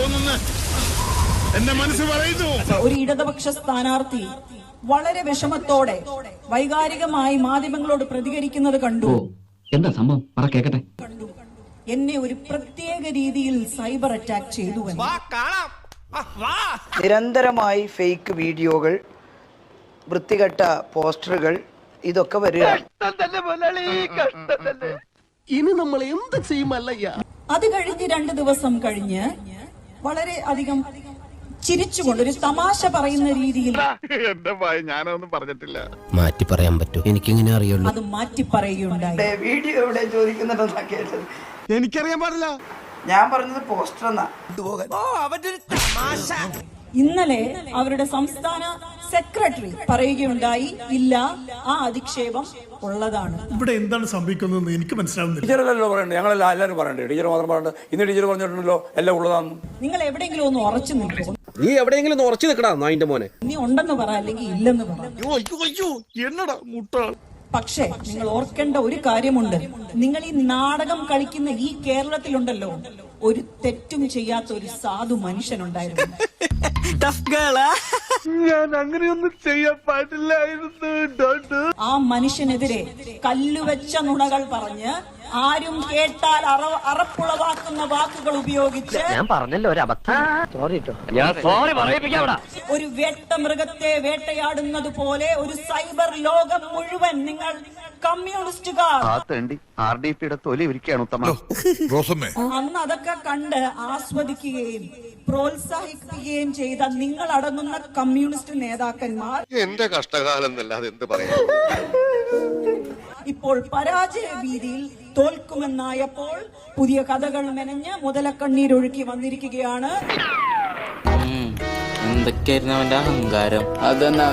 തോന്നുന്നു എന്റെ മനസ്സ് പറയുന്നു. ഒരു ഇടതുപക്ഷ സ്ഥാനാർത്ഥി വളരെ വിഷമത്തോടെ വൈകാരികമായി മാധ്യമങ്ങളോട് പ്രതികരിക്കുന്നത് കണ്ടു. എന്താ സംഭവം പറ കേക്കട്ടെ. എന്നെ ഒരു പ്രത്യേക രീതിയിൽ സൈബർ അറ്റാക്ക് ചെയ്തു. നിരന്തരമായി ഫേക്ക് വീഡിയോകൾ, വൃത്തികെട്ട പോസ്റ്ററുകൾ, ഇതൊക്കെ വരിക. ഇനി നമ്മൾ എന്ത് ചെയ്യുമല്ലയ്യ. അത് കഴിഞ്ഞ് 2 ദിവസം കഴിഞ്ഞ് വളരെ അധികം ചിരിച്ചുകൊണ്ട് ഒരു തമാശ പറയുന്ന രീതിയിൽ എന്റെ ഭയം ഞാനൊന്നും പറഞ്ഞിട്ടില്ല. മാറ്റി പറയാൻ പറ്റൂ, എനിക്കിങ്ങനെ അറിയുള്ളൂ. അത് മാറ്റി പറയുകയുണ്ടായി. വീഡിയോ എവിടെ ചോദിക്കുന്നുണ്ടെന്നാ കേട്ടത്. എനിക്കറിയാൻ പാടില്ല. ഞാൻ പറഞ്ഞത് പോസ്റ്റർ എന്നാ. ഇന്നലെ അവരുടെ സംസ്ഥാന സെക്രട്ടറി പറയുകയുണ്ടായി, ഇല്ല, ആ അധിക്ഷേപം ഉള്ളതാണ്. ഇവിടെ എന്താണ് സംഭവിക്കുന്നതെന്ന് എനിക്ക് മനസ്സിലാവുന്നില്ല. ടീച്ചറല്ലോ പറയണ്ടേ, ഞങ്ങളെല്ലാം എല്ലാവരും പറയണ്ടേ? ടീച്ചർ മാത്രം പറയണ്ട. ഇന്ന് ടീച്ചർ പറഞ്ഞിട്ടുണ്ടല്ലോ എല്ലാം ഉള്ളതാന്ന്. നിങ്ങൾ എവിടെയെങ്കിലും ഒന്ന് ഉറച്ചു നിൽക്കും. നീ എവിടെയെങ്കിലും ഉറച്ചു നിൽക്കടാ നായിന്റെ മോനെ. നീ ഉണ്ടെന്ന് പറ, അല്ലെങ്കിൽ ഇല്ലെന്ന് പറ. എന്നടാ മുട്ടാൾ. പക്ഷേ നിങ്ങൾ ഓർക്കേണ്ട ഒരു കാര്യമുണ്ട്. നിങ്ങൾ ഈ നാടകം കളിക്കുന്ന ഈ കേരളത്തിലുണ്ടല്ലോ, ഒരു തെറ്റും ചെയ്യാത്ത ഒരു സാധു മനുഷ്യനുണ്ടായിരുന്നു. ഞാൻ അങ്ങനെയൊന്നും ചെയ്യാൻ പാടില്ലായിരുന്നു. ആ മനുഷ്യനെതിരെ കല്ലുവെച്ച നുണകൾ പറഞ്ഞ് ആരും കേട്ടാൽ അറപ്പുളവാക്കുന്ന വാക്കുകൾ ഉപയോഗിച്ച് ഞാൻ പറഞ്ഞല്ലോ ഒരു അബദ്ധം. സോറി ഒരു വേട്ടമൃഗത്തെ വേട്ടയാടുന്നത് പോലെ ഒരു സൈബർ ലോകം മുഴുവൻ നിങ്ങൾ കമ്മ്യൂണിസ്റ്റുകാർ തൊലി ഒരുക്കുകയാണ് ഉത്തമ. അന്ന് അതൊക്കെ കണ്ട് ആസ്വദിക്കുകയും പ്രോത്സാഹിപ്പിക്കുകയും ചെയ്ത നിങ്ങൾ അടങ്ങുന്ന കമ്മ്യൂണിസ്റ്റ് നേതാക്കന്മാർ എന്റെ കഷ്ടകാലം എന്നല്ലാതെ എന്ത് പറയാ. ഇപ്പോൾ പരാജയ ഭീതിയിൽ തോൽക്കുമെന്നായപ്പോൾ പുതിയ കഥകൾ മെനഞ്ഞ് മുതലക്കണ്ണീരൊഴുക്കി വന്നിരിക്കുകയാണ്. എന്തൊക്കെയായിരുന്നു അവന്റെ അഹങ്കാരം.